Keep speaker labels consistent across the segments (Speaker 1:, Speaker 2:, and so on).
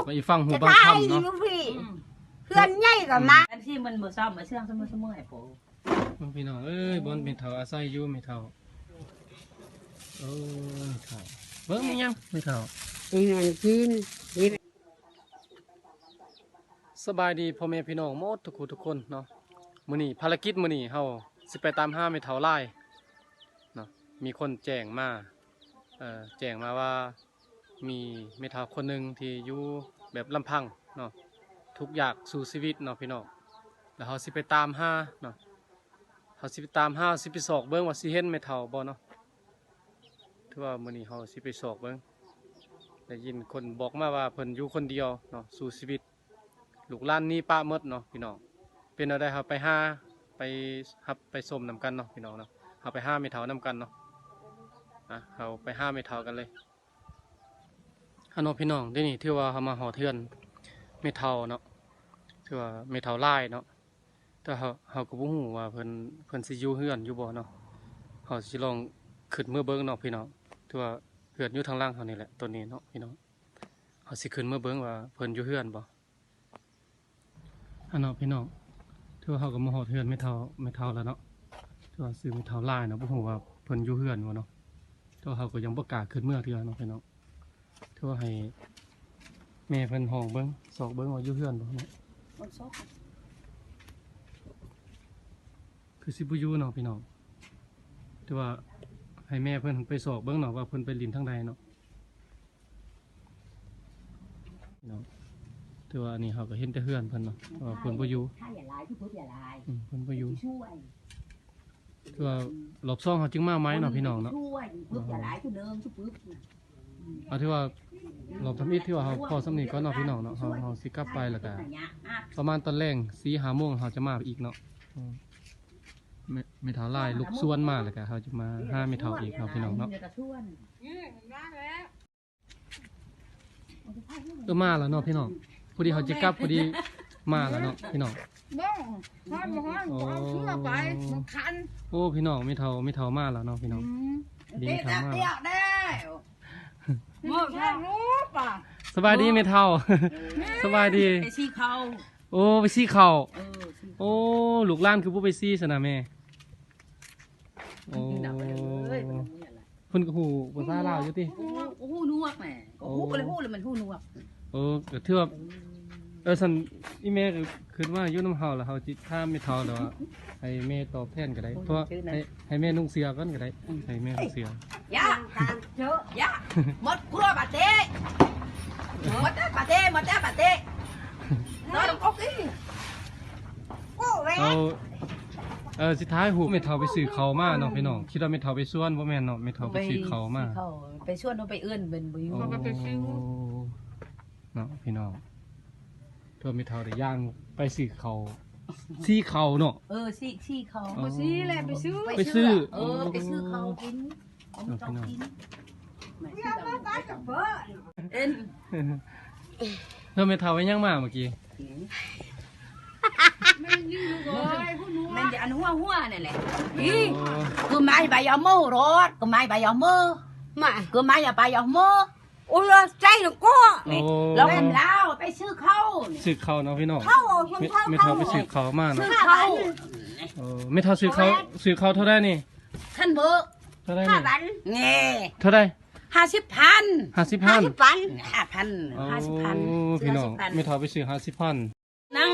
Speaker 1: ไปฟังหู
Speaker 2: จะ
Speaker 1: บาง
Speaker 2: ตาย
Speaker 1: คำ
Speaker 2: อยู่
Speaker 1: เนาะ
Speaker 2: พี่เพื่อนใหญ่กับมา
Speaker 3: อันที่มันบ่ซ่อมมาเชื่องเสมอให้โป
Speaker 1: พี่น้องเอ้ยบนเป็นเถาอาศัยอยู่ไม่เท่าเท่าเบิ้งยังไม่เท่า
Speaker 2: อีนั่นกิน
Speaker 1: สบายดีพ่อแม่พี่น้องหมดทุกคนเนาะมื้อนี้ภารกิจมื้อนี้เฮาสิไปตามหาไม่เท่าลายเนาะมีคนแจ้งมาแจ้งมาว่ามีไม่เท่าคนหนึงที่อยู่แบบลำพังเนาะทุกอย่างสู่ชีวิตเนาะพี่น้องแล้วเฮาสิไปตามหาเนาะเฮาสิไปตามหาสิไปสอกเบิ่งว่าสิเห็นไม่เท่าบ่เนาะถือว่ามื้อนี้เฮาสิไปสอกเบิ่งได้ยินคนบอกมาว่าเพิ่นอยู่คนเดียวเนาะสู่ชีวิตลูกหลานนี่ป้าหมดเนาะพี่น้องเป็นเอาได้ครับไปหาไปหับไปส้มนำกันเนาะพี่น้องเนาะเอาไปหาไม่เท่านำกันเนาะเขาไปหาไม่เท่ากันเลยฮัลโหลพี่น้องได้นี่ที่ว่าเขามาห่อเทือนไม่เท่าเนาะที่ว่าไม่เท่าลายเนาะแต่เขาก็บ่ฮู้ว่าเพิ่นสิอยู่เฮือนอยู่บ่เนาะเขาสิลองขึ้นมือเบิ่งเนาะพี่น้องที่ว่าเฮือนอยู่ทางล่างเขานี่แหละตัวนี้เนาะพี่น้องเขาสิขึ้นมือเบิ่งว่าเพิ่นอยู่เฮือนบ่ฮัลโหลพี่น้องที่ว่าเขาก็มาห่อเทือนไม่เท่าแล้วเนาะที่ว่าซื้อไม่เท่าลายเนาะบ่ฮู้ว่าเพิ่นอยู่เฮือนบ่เนาะที่ว่าเขาก็ยังบ่กล้าขึ้นเมื่อเทื่อเนาะพี่น้องที่ว่าให้แม่เพิ่นห้องเบิ่งสอกเบิ่งว่าอยู่เฮือนบ่เนาะคือสิบ่อยู่เนาะพี่น้องแต่ว่าให้แม่เพิ่นไปสอกเบิ่งเนาะว่าเพิ่นไปลินทางใดเนาะพี่น้องแต่ว่าอันนี้เขาก็เห็นแต่เฮือนเพิ่นเนาะว่าเพิ่นบ่อยู่เพิ่นบ่อยู่คือว่ารอบ2เขาจึงมาไหมเนาะพี่น้องเนาะเอาที่ว่ารอบทำอิฐที่ว่าเขาพอสำนีก็เนาะพี่น้องเนาะเขาสิกลับไปแล้วก็ประมาณตอนแรง4-5 โมงเขาจะมาอีกเนาะไม่เท่าไรลูกส่วนมาแล้วก็เขาจะมาหาไม่เท่าอีกเนาะพี่น้องเนาะมาแล้วเนาะพี่น้องพอดีเขาจะกลับพอดีมาแล้วเนาะพี่น้องโอ้พี่น้องไม่เท่ามาแล้วเนาะพี่น้องดีไม่เท่ามาสบายดีไม่เท่าสบายดี
Speaker 3: ไปซี่เขา
Speaker 1: โอ้ไปซี่เข่าโอ้ลูกหลานคือผู้ไปซี่สนะแม่โอ้คนกหูภาษาลาวอยู่ติ
Speaker 3: หูนวกแหม่หูก็เลยหูเลยมันหูนวก
Speaker 1: ก็ถือว่าสันอีเมลคือว่ายุ่น้ำเฮาแล้วเฮาจิถ้าไม่เท่าแล้วให้แม่ตอบแทนก็ได้เพราะให้แม่นุ่งเสียกันก็ได้ให้แม่นุ่งเสีย
Speaker 3: ยะยะหมดครัวบาเต้หมดบาเต้น้อยลงก๊กอี
Speaker 1: สุดท้ายหูไม่เท่าไปซื้อเขามาเนาะพี่น้องคิดว่าไม่เท่าไปส่วนบ่แม่นเนาะไม่เท่าไปซื้อเขามา
Speaker 3: ไปชวนเขาไปเอื้อนเป็นบุญ
Speaker 1: เนาะพี่น้องตัวไม่เท่าได้ย่างไปซื้อเขาซี่เขาเนาะ
Speaker 3: ซี่เขา
Speaker 2: ซี่แหละไปซื้อ
Speaker 3: ไปซื้อเขากิน
Speaker 1: พี่น้องเธอไม่เท่าไว้ย่างมาเมื่อกี้
Speaker 3: มันจะอันหัวนี่แหละคือไม้ใบยอมรถคือไม้ใบยอม
Speaker 2: มา
Speaker 3: คือไม้ใบยอม
Speaker 2: โอ้ยใจหนูก็
Speaker 3: เราทำแล้วไปซื้อเขา
Speaker 1: เนาะพี่น้องไม่
Speaker 2: เท่า
Speaker 1: เท่าไปซื้อเขามาเนาะไม่เท่าซื้อเขาเท่าไรนี่
Speaker 3: ท่านเบอร์
Speaker 1: เท่าไรนี่เท่าไร
Speaker 3: 50,000
Speaker 1: 50,000พี่น้องไม่เท่าไปซื้อ50,000
Speaker 3: นั่ง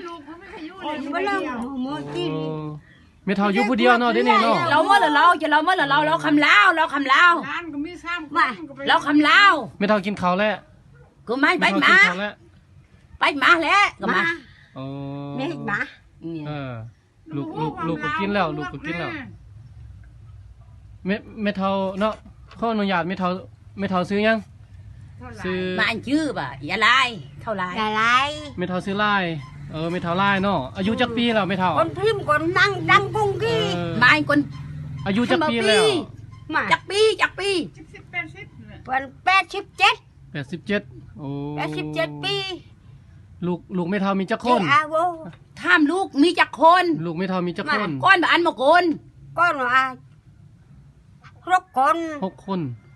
Speaker 1: ไม่เท่าอยู่ผู้เดียวเนาะได้นี่เนาะ
Speaker 3: เราเมื่อเราคำลาวเราคำลาว
Speaker 1: ไม่เท่ากินข้าวแล้ว
Speaker 3: ก็ไม่ไปมาแล้วก็มา
Speaker 2: ไม่มา
Speaker 1: ลูกก็กินแล้วไม่เท่าเนาะข้ออนุญาตไม่เท่าซื้อยัง
Speaker 3: ซื้อมาอันชื่อป่ะอย่าลายเท่าไร
Speaker 1: ไม่เท่าซื้อลายไม่เท่าลายเนาะอายุจักปีแล้วไม่เท่า
Speaker 2: คนพิมพ์คนนั่งดังกุ้งกี้
Speaker 3: มาคน
Speaker 1: อายุจักปีแล้ว
Speaker 3: จักปี
Speaker 2: 87
Speaker 1: โอ้
Speaker 2: 87 ปี
Speaker 1: ลูกไม่เท่ามีจักคน
Speaker 3: ท่ามลูกมีจักคน
Speaker 1: ลูกไม่เท่ามีจักคน
Speaker 3: ก้อนแบบอันมาโกน
Speaker 2: ก้อนว่า6 คน
Speaker 1: 6 คน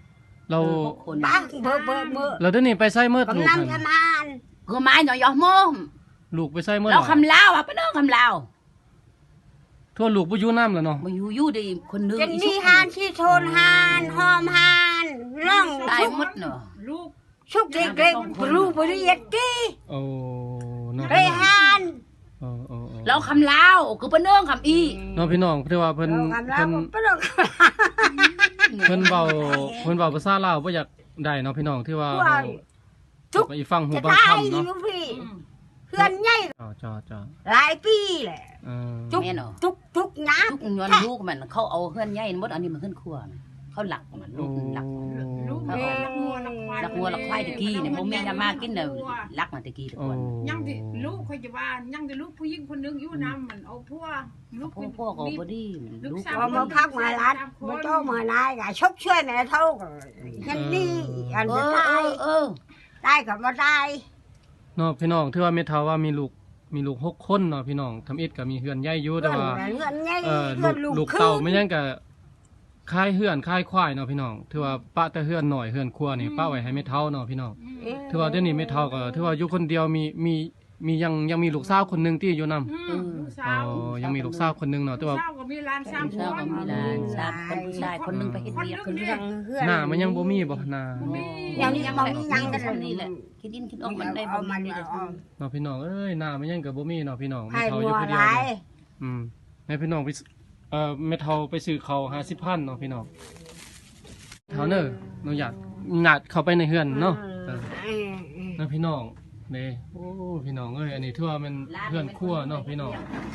Speaker 1: เรา
Speaker 3: คน
Speaker 2: บ้างเบอ
Speaker 1: เราเดี๋ยวนี้ไปไสเมิด
Speaker 2: กำ
Speaker 1: ลูก
Speaker 2: ลัง
Speaker 1: นั่น
Speaker 2: ทำงาน
Speaker 3: ก็ไม้หน่อยยอมม
Speaker 1: ลูกไปไสเมิด
Speaker 3: เรา
Speaker 1: ล่ะ
Speaker 3: คำลาวอ่ะเป็นเรื่องคำลาว
Speaker 1: ทั่วลูกบ่อยู่น้ำแล้วเนาะ
Speaker 3: มาอยู่ดีคนนึง
Speaker 2: เป็นนี่ฮานที่โทนฮานหอมฮานร่อง
Speaker 3: ตาย
Speaker 2: ชุก
Speaker 3: หมดเนาะ
Speaker 2: ชุกเล็กๆรูบริเวณกี้
Speaker 1: โอ้เนาะ
Speaker 2: ไรฮาน
Speaker 1: โอ้โอ้โอ้
Speaker 3: เราคำลาวคือเป็นเรื่องคำอี
Speaker 1: เนาะพี่น้องที่ว่าเพิ่น
Speaker 2: เรากำลั
Speaker 1: เพิ่
Speaker 2: ง
Speaker 1: น
Speaker 2: ปลอก
Speaker 1: เพิ่นเว้าภาษาลาวบ่อยากได้เนาะพี่น้องที่ว่า
Speaker 2: ว่า ทุก
Speaker 1: ไปฟังหู
Speaker 2: จะ
Speaker 1: บาง
Speaker 2: ตาย
Speaker 1: คำ
Speaker 2: อ
Speaker 1: เนาะ
Speaker 2: ยู่พี่เพื่อนใหญ่
Speaker 1: จ้า
Speaker 2: หลายปีแหละ
Speaker 1: เออ
Speaker 2: ทุก
Speaker 3: แม่เนาะ
Speaker 2: ทุกนะ
Speaker 3: ทุกย้อนลูกมันเขาเอาเฮือนใหญ่หมดอันนี้มันขึ้นครัวเขาหลักมันลูกหลัก
Speaker 4: ลูก
Speaker 3: เขา
Speaker 4: แม่
Speaker 3: เอา
Speaker 4: ลักงัวลักควาย
Speaker 3: หลักงัวหลักควายตะกี้เนี่ยบ่มีน้ำมากินเน่ะลักมาตะกี้ทุก
Speaker 1: โอ้
Speaker 3: คน
Speaker 4: ยังที่ลูกเขาจะว่ายังที่ลูกผู้หญิงคนนึงอยู่น้ำมันเอาพวกลูก
Speaker 3: พ่อก็บ่ดีลูก
Speaker 2: พอมาพักมาลัดมาโตมานายก็ชกช่วยแม่เท่ากันเห็นนี่อัน
Speaker 3: เอ
Speaker 2: จะ
Speaker 3: อ
Speaker 2: ตาย ตายกับมาตาย
Speaker 1: เนาะพี่น้องที่ว่าแม่เฒ่าว่ามีลูก6คนเนาะพี่น้องทำอิฐก็มีเฮือนใหญ่อยู่แต่ว่า
Speaker 2: เงินใหญ่
Speaker 1: ลู
Speaker 2: เงิ
Speaker 1: ก
Speaker 2: นลู
Speaker 1: ลู
Speaker 2: ก
Speaker 1: ก
Speaker 2: คื
Speaker 1: เต่าน ไม่ยังก็คายเฮือนคายควายเนาะพี่น้องถือว่าปะแต่เฮือนหน่อยเฮือนครัวนี่ป้าไว้ให้แม่เฒ่าเนาะพี่น้องถือว่าเดี๋ยวนี้แม่เฒ่าก็ถือว่าอยู่คนเดียวมียังมีลูกสาวคนหนึงที่อยู่นํ
Speaker 4: ลูกสาว
Speaker 1: ยังมีลูกสาวคนหนึงเนาะแต่ว่า
Speaker 4: สาวก็มีหลานสามค
Speaker 3: เช้าน ก็มีหลานสามคนผู้ชายคนนึงไปเฮ็ดเวียกคนนึง
Speaker 1: หน้ามันยังบ่มีบ่หน้า
Speaker 2: อย่างนี้ยังมียังกัน
Speaker 3: นี่แหละคิดอินคิดออกมันได้บ่มันนี่แหละ
Speaker 1: เนาะพี่น้องเอ้ยหน้ามันยังก็บ่มีเนาะพี่น้องแม่
Speaker 2: ให้
Speaker 1: เฒ่าอ
Speaker 2: บั
Speaker 1: ยู่
Speaker 2: ว
Speaker 1: ผู้เดี
Speaker 2: ห
Speaker 1: ยว
Speaker 2: ลาย
Speaker 1: เด้อให้พี่น้องไปแม่เฒ่าไปซื้อข้าว50,000เนาะพี่น้องเฒ่าเน้อหนูอยากเข้าไปในเฮือนเนาะนะพี่น้องเด้โอ้พี่น้องเอ้ยอันนี้ถือว่ามันเฮือนครัวเนาะพี่น้อง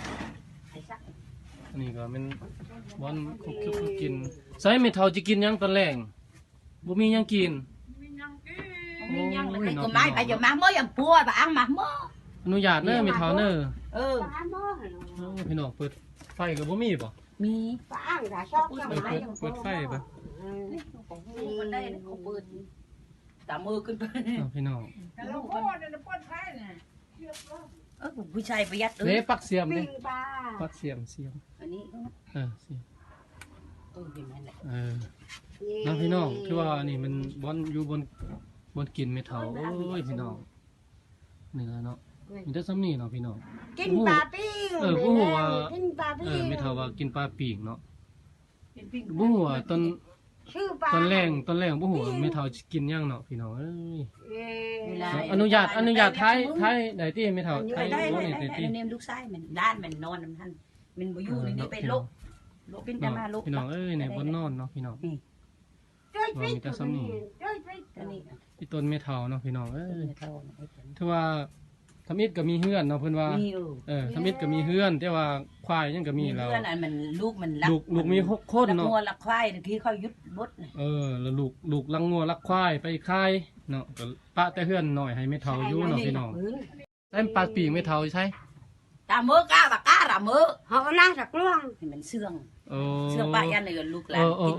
Speaker 1: อันนี้ก็เป็นบ่อนคุกกินใส่แม่เฒ่าสิกินหยังตอนแลงบ่มีหยังกิน
Speaker 3: มียังเลยก็ไม้ไปอยู่มาเมื่อยังปัวบ่อังมาเมื่อ
Speaker 1: อนุญาตเด้อแม่เฒ่าเด้อ
Speaker 3: เออ
Speaker 1: พี่น้องเปิดไฟก็บ่มีบ่
Speaker 3: มี
Speaker 2: ป้างจะชอบกันไหม
Speaker 1: เปิดไฟบ่
Speaker 3: มันได้เขาเปิดตามมือขึ้นไป
Speaker 1: เนาะพี่น้อง
Speaker 4: แต่เราพ่อเนี่ยเราพ่อไทยเนี่ย
Speaker 3: ผู้ชายประหยัด
Speaker 1: เด้ปักเสียมเด้
Speaker 2: ปิ้งปลา
Speaker 1: ปักเสียม
Speaker 3: อันนี้
Speaker 1: เสียม
Speaker 3: เห็นไหมแหละ
Speaker 1: เนาะพี่น้องคือว่านี่มันบอนอยู่บนกินไม่เท่าโอ้ยพี่น้องเนื้อเนาะมีแต่ซ้ำนี่เนาะพี่น้อง
Speaker 2: กินปลาปิ้งกินปลาปิ้ง
Speaker 1: ไม่เท่าว่ากินปลาปีกเนาะ
Speaker 3: เป็นปิ้ง
Speaker 1: บ่ฮู้ว่าตอน
Speaker 2: ชื่อปลา
Speaker 1: ตอนแรงบ่ฮู้ว่าไม่เท่าสิกินหยังเนาะพี่น้องเอ้ย
Speaker 3: เวลา
Speaker 1: อนุญาตท้ายได้ที่ไม่เท่าท้าย
Speaker 3: ได้
Speaker 1: บ่
Speaker 3: ได้
Speaker 1: นี่ได้ที่
Speaker 3: เนมลูกชายมันด้านมันนอนมันท่านมันบ่อยู่นี่ไปโลกเป็นแต่มาโลก
Speaker 1: พี่น้องเอ้ยในบนนอนเนาะพี่น้อง
Speaker 2: ช่วยปิ้งช่วยปิ้ง
Speaker 3: อันนี้
Speaker 1: ที่ต้นไม่เท่าเนาะพี่น้องเอ้ย
Speaker 3: เท่า
Speaker 1: ถือว่าทำอิฐก็มีเฮือนเนาะเพิ่นว่า
Speaker 3: มี
Speaker 1: ทำอิฐก็มีเฮือน แต่ว่าควายยังก็มีแล้ว
Speaker 3: เพื่อนอันมันลูกมันรัก
Speaker 1: ลูกมี6คนเนาะ
Speaker 3: งัวรักควายที่เขายุดบด
Speaker 1: แล้วลูกลังงัวลักควายไปคายเนาะก็ปะแต่เฮือนหน่อยให้ไม่เท่าอยู่เนาะพี่น้องใส่ปลาปีกไม่เท่าใช่
Speaker 3: ตามือกาบักกาตามือ
Speaker 2: เขาหน้าสักล่วง
Speaker 3: มันเสื่อง
Speaker 1: โอ้
Speaker 3: เสื่องป้ายันเลยลูกหลานกิน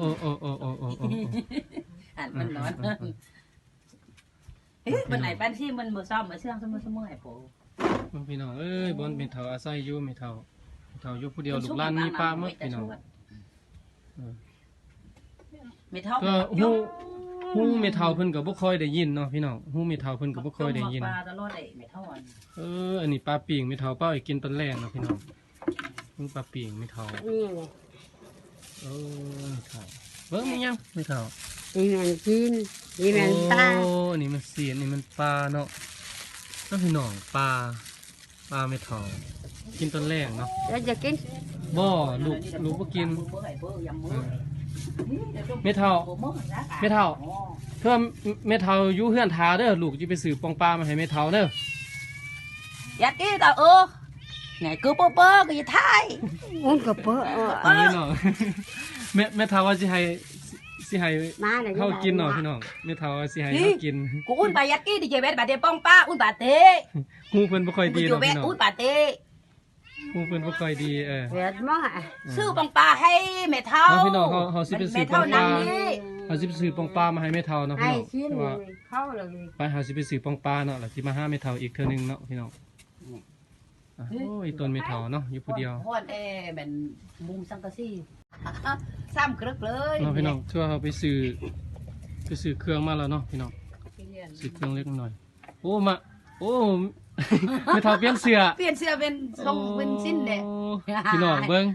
Speaker 3: อันมันนอนมันไหนบ้านที่มันบ่ซ่อมมาเสื่องเสมอไอ้โผ
Speaker 1: พี่น้องเอ้ยบอนไม่เท่าอาศัยอยู่ไม่เท่าอยู่ผู้เดียวลูกหลานมีปลาหมดพี่น้อง
Speaker 3: ไม่เท่า
Speaker 1: ก็ฮู้ไม่เท่าเพิ่นก็บ่ค่อยได้ยินเนาะพี่น้องฮู้ไม่เท่าเพิ่นก็บ่ค่อยได้ยิน
Speaker 3: ปลาตลอดไอ้ไม่เท่าอัน
Speaker 1: อันนี้ปลาปีกไม่เท่าเป้าให้กินตอนแรกเนาะพี่น้องปลาปีกไม่เท่า
Speaker 2: นี่
Speaker 1: ไม่เท่าเบิ่งมียังไม่เท่า
Speaker 2: นี่มันกินนี่มันปลา
Speaker 1: โอ้นี่มันเสียนนี่มันปลาเนาะนั่นพี่น้องปลาไม่เท่ากินตอนแรกเนาะ
Speaker 2: แล้วจะกิน
Speaker 1: บ่ลูกบ่กินไม่เท่าเพื่อไม่เท่าอยู่เฮือนทาเด้อลูกจะไปซื้อปองปลามาให้ไม่เท่าเด้อ
Speaker 3: อยากกินแต่ไงกูเปอก็อย่าทาย
Speaker 2: อุ้นกับเพื่อ
Speaker 1: นี่เนาะแม่เท่าว่าสิให้
Speaker 2: มาเลย
Speaker 1: เข้ากินเนาะพี่น้องแม่เท่าว่าสิให้เข้ากิน
Speaker 3: กูอุ่นไปอยากกินดิเจเวทบาเตป้องป้าอุ่นบาเต
Speaker 1: ฮู้เพิ่นบ่ค่อย
Speaker 3: กู
Speaker 1: ดี
Speaker 3: อยู่
Speaker 1: เนาะ
Speaker 3: เว
Speaker 1: พี่
Speaker 3: ท
Speaker 1: น้อง
Speaker 3: อุ่นบาเต
Speaker 1: ฮู้เพิ่นบ่ค่อยดี
Speaker 2: เวียดมั้ง
Speaker 3: ซื้อปองป้าให้แม่เท่า
Speaker 1: พี่น้องเฮาสิไปซื้อปองปลา เขาสิไปซื้อปองปลามาให้แม่เฒ่าเนาะ
Speaker 2: ให้
Speaker 1: พี่น้อง
Speaker 2: ชิ้น
Speaker 1: แต่ว่า
Speaker 2: เข้าเลย
Speaker 1: ไปหาสิไปซื้อปองปลาเนาะแล้วสิมาหาแม่เฒ่าอีกเทื่อนึงเนาะพี่น้องโอ้ยต้นแม่เฒ่าเนาะอยู่ผู้เดียว
Speaker 3: พ่อนเป็นมุมสังกะสีซ้ำกรึกเลย
Speaker 1: เนาะพี่น้องชั่วเขาไปซื้อไปซื้อเครื่องมาแล้วเนาะพี่น้องซื้อเครื่องเล็กหน่อยโอ้มาโอ้ ไม่เท่าเปลี่ยนเสื้อ
Speaker 3: เปลี่ยนเสื้อเป็นทรงเป็นสิ้นเด็ก
Speaker 1: โอ้พี่น้องเบิ่ง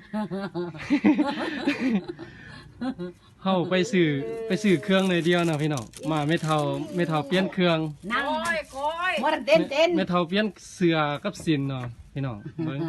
Speaker 1: เฮาไปซื้อเครื่องเลยเดียวนะพี่น้องมาไม่เท่าเปลี่ยนเครื่อง
Speaker 3: นั่ง
Speaker 4: คอย
Speaker 3: บ่ทันเต้น
Speaker 1: ไม่เท่าเปลี่ยนเสื้อกับสินเนาะพี่น้องเบิ่ง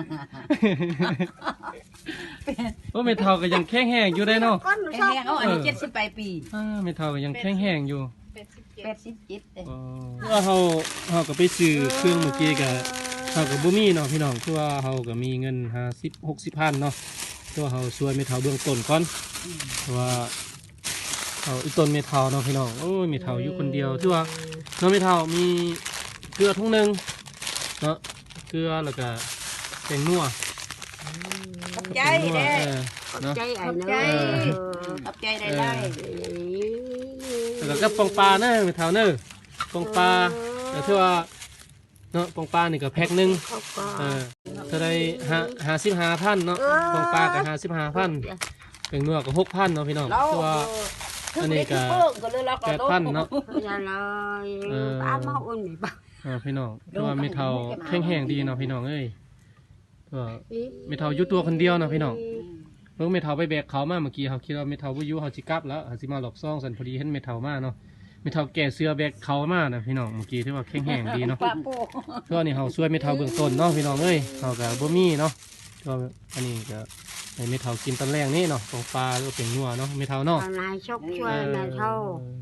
Speaker 1: โอ้ไม่เท่าก็ยังแข็งแรงอยู่ได้เนาะ
Speaker 2: ก้น
Speaker 3: แข็
Speaker 2: ช
Speaker 3: ง
Speaker 2: อบ
Speaker 3: แรงเอาอันนี้78 ปี
Speaker 1: ไม่เท่าก็ยังแข็งแรงอยู่
Speaker 3: 87เด้
Speaker 1: ว่าเฮาก็ไปซื้อเครื่องเมื่อกี้ก็เฮาก็บ่มีเนาะพี่น้องคือว่าเฮาก็มีเงิน50 60พันเนาะตัวเฮาช่วยไม่เท่าเบื้องต้นก่อนเพราะว่าเฮาอีต้นไม่เท่าเนาะพี่น้องโอ้ยไม่เท่าอยู่คนเดียวคือว่าน้องไม่เท่ามีเกลือถุงนึงเนาะเกลือแล้วก็แป้งนัว
Speaker 3: ขอบใจ
Speaker 1: แป้งนัว
Speaker 3: เด้
Speaker 1: เนาะ
Speaker 2: ใจไอ้เน
Speaker 3: ขอบใจได้
Speaker 1: แล้วก็ปองปลาเนอะไม่เท่าเนอะปองปลาแต่ที่ว่าเนาะปองปลานี่ก็แพ็คนึง
Speaker 2: เขาก็
Speaker 1: ถ้าได้55,000เนาะปองปลาก็55,000เป็นนัวก็6,000เนาะพี่น้อง
Speaker 3: เรา
Speaker 1: ตัวอันนี้ก็
Speaker 3: ก็เลยเราก็
Speaker 1: 8,000เนาะ
Speaker 2: อย่าเลยป้ามาอุ่นนี่ป้า
Speaker 1: พี่น้องตัวไม่เท่าแข็งแรงดีเนาะพี่น้องเอ้ยตัวไม่เท่าอยู่ตัวคนเดียวเนาะพี่น้องเพิ่งไม่เท่าไปแบกเขามาเมื่อกี้เขาคิดว่าไม่เท่าบ่อยู่เขาสิกลับแล้วเขาสิมาหลอกซ่องสันพอดีเห็นไม่เท่ามาเนาะไม่เท่าแก่เสื้อแบกเขามานะพี่น้องเมื่อกี้ที่ว่าแข็งแรงดีเนาะ
Speaker 3: ป้าโป้
Speaker 1: ก็นี่เขาช่วยไม่เท่าเบื้องต้นเนาะพี่น้องเอ้ยเขากับบ่มีเนาะก็อันนี้ก็ให้ไม่เท่ากินตอนแรกนี่เนาะของปลาหรือเป็นนัวเนาะไม่เท่าเนาะ
Speaker 2: นายชกช่วยนายเท่า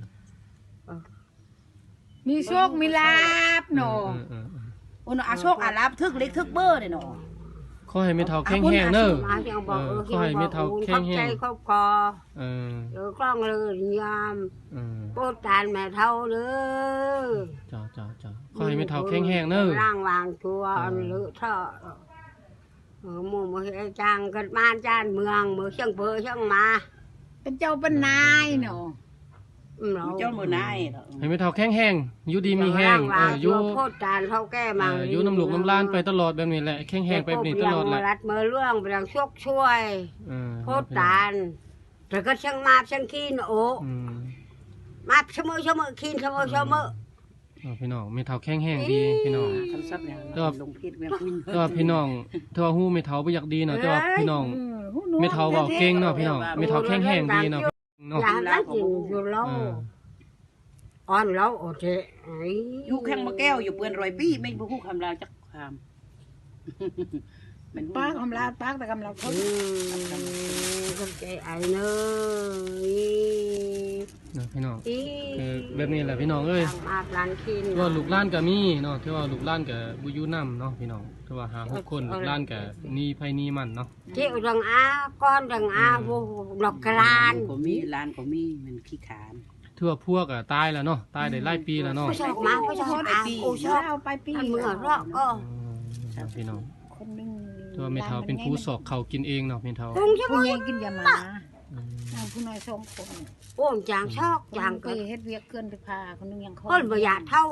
Speaker 4: มีโชคมีลาบหนอ
Speaker 3: โอ้เนาะอาโชคอาลาบทึกเล็กทึกเบอร์เด้เนาะ
Speaker 1: ขอให้ไม่เท่าแข็งแรงเด้อ
Speaker 2: มายังบอก
Speaker 1: ขอให้ไม่เท่าแข็งแรง
Speaker 2: ใจครอบครอ
Speaker 1: เออ
Speaker 2: กล้องเลยยาม
Speaker 1: เออ
Speaker 2: โปรตานแม่เท่าเลย
Speaker 1: จ้าขอให้ไม่เท่าแข็งแรงเด้อ
Speaker 2: ร่างวางตัวหรือเท่าหมู่มือจางกันบ้านจานเมืองมือเชียงเบอร์เชียงมา
Speaker 4: เป็นเจ้าเป็นนายหนอ
Speaker 3: เจ้ามือนาย
Speaker 1: ให้ไม่เท่าแข็งแรงอยู่ดีมีแห้งอยู่
Speaker 2: โพดจานเท่าแก้มัง
Speaker 1: อยู่น้ำหลวกน้ำลานไปตลอดแบบนี้แหละแข็งแรงไปแบบนี้ตลอดแหละ
Speaker 2: รัดมือเรื่องไปดังช่วยโพดจานแต่ก็เชียงมาเชียงคีนโอ้มาเสมอคีนเสมอ
Speaker 1: พี่น้องไม่เท่าแข็งแรงดีพี่น้อง
Speaker 3: คำศัพท์เนี่ยลงพิษแม่คุณ
Speaker 1: แต่ว่าพี่น้องถ้าว่าฮู้ไม่เท่าบ่อยากดีเนาะแต่ว่าพี่น้องไม่เท่าเว้าเก่งเนาะพี่น้องไม่เท่าแข็งแรงดีเนาะเนาะ
Speaker 2: อย่าละกินอยู่เล่าอ่อนเล่าโอเค
Speaker 3: อยู่แข้งมะแก้วอยู่เปื้อน100 ปีไม่บ่ฮู้คำลาวจักคำมัน
Speaker 4: ป้ากำลาป้าแต่กำลาเขา
Speaker 2: ก็ใจไอ้เนย
Speaker 1: พี่น้องคือแบบนี้แหละพี่น้องเอ้ย
Speaker 2: มาร้านคิน
Speaker 1: ว่าลูกหล้านก็มีเนาะที่ว่าลูกหล้านก็บ่อยู่นำเนาะพี่น้องที่ว่าหา6คนลูกหล้านก็นี่ไผนี่มันเนาะ
Speaker 2: เจ้าดังอาก้อนดังอาโวดอกกราน
Speaker 3: ก็มีร้านก็มีมันขี้ขาน
Speaker 1: ถือว่าพวกก็ตายแล้วเนาะตายได้หลายปีแล้วเนาะ
Speaker 2: ผู้ชอบมาผู้ชอบอาโอชอบ
Speaker 4: เอาไปปี
Speaker 2: เมื่อรอบก็
Speaker 1: พี่น้อง
Speaker 4: คนนึง
Speaker 1: ที่ว่าแม่เฒ่าเป็นผู้สอกเขากินเองเนาะแม่เฒ่า
Speaker 2: คงจะ
Speaker 4: ผู้
Speaker 2: มื
Speaker 4: ให
Speaker 2: อ
Speaker 4: ญ่กินยามาผู้น้อย2 คน
Speaker 2: โอ้จางชอกจาง
Speaker 4: เค
Speaker 2: ก็
Speaker 4: ยเฮ็ดเวียกเกินไปพาคนนึงยัง
Speaker 2: คนประหยัดเท่า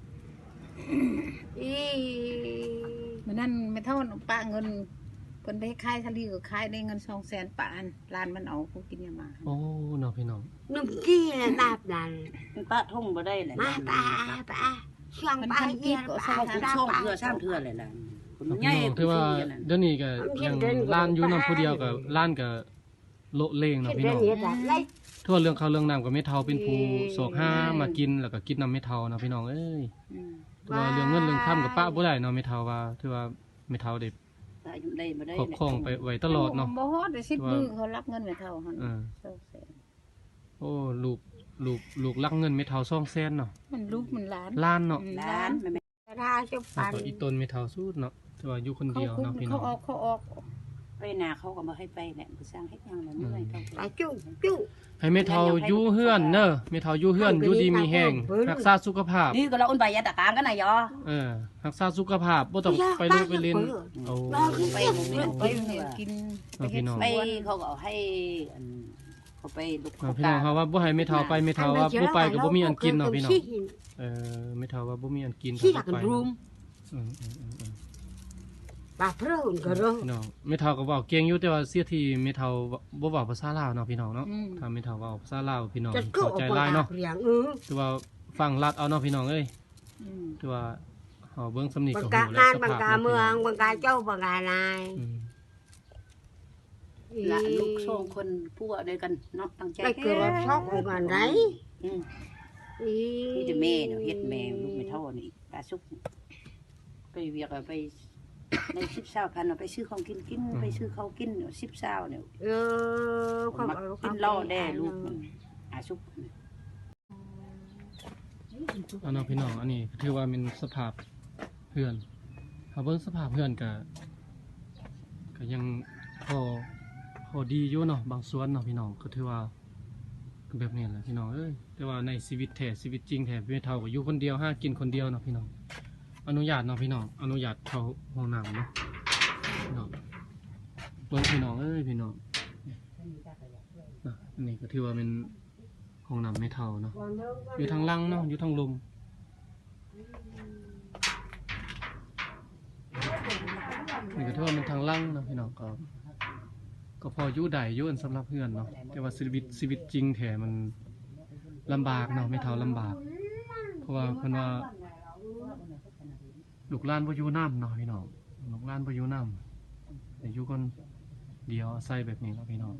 Speaker 2: อี
Speaker 4: มื้อนั้นไม่เท่าป้าเงินเพิ่นไปขายทะเลก็ขายได้เงิน200,000ป้าอันร้านมันเอาผู้กินยามา
Speaker 1: โอ้เนาะพี่น้อง
Speaker 2: นุ่มกี้เลยนาบนั่น
Speaker 3: ป้าท่งบ่ได้แหละ
Speaker 2: มาป้าเชียงป้าเยี่ยมป้า
Speaker 3: ช่องเทื่อ3เทื่อเลยล่ะคน
Speaker 1: พี่
Speaker 3: ใหญ่
Speaker 1: น้องที่ว่าเดี๋ยวนี้ก็ยังล้านอยู่นำผู้เดียวก็ล้านก็โละเลงเนาะพี่น้อง ทั่วเรื่องข้าวเรื่องน้ำกับไม่เท่าเป็นผู้โศกห้ามากินแล้วก็กินน้ำไม่เท่านะพี่น้องเอ้ยว่าเรื่องเงินเรื่องข้ามกับป้าบ่ได้เนาะไม่เท่าว่าถือว่าไม่เท่าเด็ก
Speaker 3: ได้บ่ได้
Speaker 1: ครอบครองไปไว้ตลอดเนาะ
Speaker 4: บ่ฮอดได้10มื้อเขารับเงินไม่เท่าหั่น
Speaker 1: โอ้ลูกรักเงินไม่เท่า200,000เนาะ
Speaker 4: มันลูกมันหลาน
Speaker 1: ล้านเนาะ
Speaker 3: ร้านแม่
Speaker 2: ถ้าชุบ
Speaker 1: แล้ว
Speaker 2: ปัน
Speaker 1: ก็อีต้นไม่เท่าสุดเนาะแต่ว่าอยู่คนเดียวเนาะพี่น้อง
Speaker 4: เขาออก
Speaker 3: ไปนาเขาก็บ่ให้ไปแหละผู้สร้างเฮ็ดหยังแล้วเมื่อยเขา
Speaker 2: ไปจุ๊
Speaker 1: ให้ไม่เท่าอยู่เฮือนเนอะไม่เท่าอยู่เฮือนอยู่ดีมีแห้งรักษาสุขภาพ
Speaker 3: นี่ก็เราอุ่นใบยาตะกางกันน่ะยอ
Speaker 1: รักษาสุขภาพบ่ต้องไปโรงไปเล่นโอ้
Speaker 3: ไป
Speaker 4: กิน
Speaker 1: พี่น้อง
Speaker 3: ไปเขาก็ให้เขาไปลูก
Speaker 1: พี่น้องเขาว่าบ่ให้ไม่เท่าไปไม่เท่าว่าบ่ไปก็บ่มีอันกินเนาะพี่น้องไม่เท่าว่าบ่มีอันกิน
Speaker 2: ที่หลักรูมปากพระหุ่นก็รู้
Speaker 1: พี่น้องไม่เท่าก็เว้าเก่งอยู่แต่ว่าเสียที่ไม่เท่าบ่เว้าภาษาลาวเนาะพี่น้องเนาะถ้าไม่เท่าเว้าภาษาลาวพี่น้อง
Speaker 2: จะก็
Speaker 1: เข้าใจหลายเนาะ
Speaker 2: เรียง
Speaker 1: แต่ว่าฟังลัดเอาเนาะพี่น้องเอ้ยแต่ว่าเฮาเบิ่งสำนี
Speaker 2: บั
Speaker 1: ก็
Speaker 2: ง
Speaker 1: ฮู้
Speaker 2: กา
Speaker 1: แล้ว
Speaker 2: งาน
Speaker 1: ส
Speaker 2: บัง
Speaker 1: ภาพ
Speaker 2: กาเมืองบังกาเจ้าบังกานาย
Speaker 4: หลานลูกสองคนผัวด้วยกันเนาะตั้งใจ
Speaker 2: ได้เกิดรับช็อกเหมือนกันไหน
Speaker 4: นี่จะแม่เนาะเฮ็ดแม่ลูกไม่เท่านี่ปลาสุกไปเวียกไปใน10-20พันเอาไปซื้อของกินไปซื้อข้าวกิน10-20เนี่ย
Speaker 2: ความ
Speaker 4: กินเหล้าแด่ลูกมันอาสุก
Speaker 1: เอาเนาะพี่น้องอันนี้ถือว่าเป็นสภาพเฮือนเฮาเบิ่งสภาพเฮือนก็ยังพอดีอยู่เนาะบางส่วนเนาะพี่น้องก็ถือว่าก็แบบนี้แหละพี่น้องเอ้ยแต่ว่าในชีวิตแท้ชีวิตจริงแท้ไม่เท่ากับอยู่คนเดียวหากินคนเดียวเนาะพี่น้องอนุญาตเนาะพี่น้องอนุญาตเข้าห้องน้ำเนาะพี่น้องเบิ่งพี่น้องเอ้ยพี่น้องนะอันนี้ก็ถือว่าเป็นห้องน้ำไม่เท่าเนาะอยู่ทางล่างเนาะอยู่ทางลมนี่ก็ถือว่าเป็นทางล่างเนาะพี่น้องก็พออยู่ได้อยู่อันสำหรับเพื่อนเนาะแต่ว่าชีวิตจริงแท้มันลำบากเนาะไม่เท่าลำบากเพราะว่าเพิ่นว่าลูกหลานบ่อยู่น้ำเนาะพี่น้องลูกหลานบ่อยู่น้ำแต่อยู่คนเดียวอาศัยแบบนี้เนาะพี่น้อง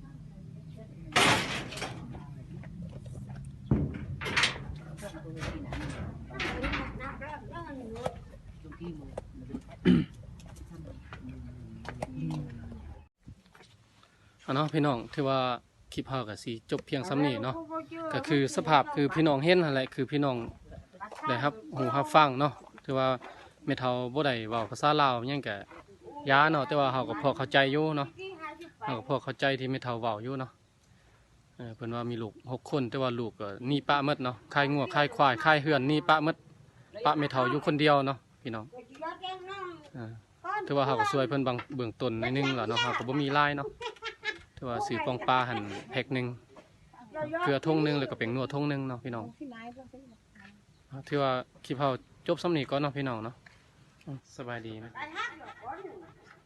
Speaker 1: เนาะพี่น้องถือว่าคลิปเฮาก็สิจบเพียงส่ำนี้เนาะก็คือสภาพคือพี่น้องเห็นนั่นแหละคือพี่น้องได้รับหูรับฟังเนาะถือว่าแม่เฒ่าบ่ได้เว้าภาษาลาวหยังก็ยาเนาะแต่ว่าเฮาก็พอเข้าใจอยู่เนาะเฮาก็พอเข้าใจที่แม่เฒ่าเว้าอยู่เนาะเพิ่นว่ามีลูก6คนแต่ว่าลูกก็หนีปะหมดเนาะคายงัวคายควายคายเฮือนหนีปะหมดปะแม่เฒ่าอยู่คนเดียวเนาะพี่น้องถือว่าเฮาก็ช่วยเพิ่นบางเบื้องต้นนิดนึงแล้วเนาะเฮาก็บ่มีรายเนาะถือว่าซื้อปองปลาหั่นแพ็คนึงเกลือถุงนึงแล้วก็เป็นนัวถุงนึงเนาะพี่น้องถือว่าคลิปเฮาจบส่ำนี้ก่อนเนาะพี่น้องเนาะสบายดีนะ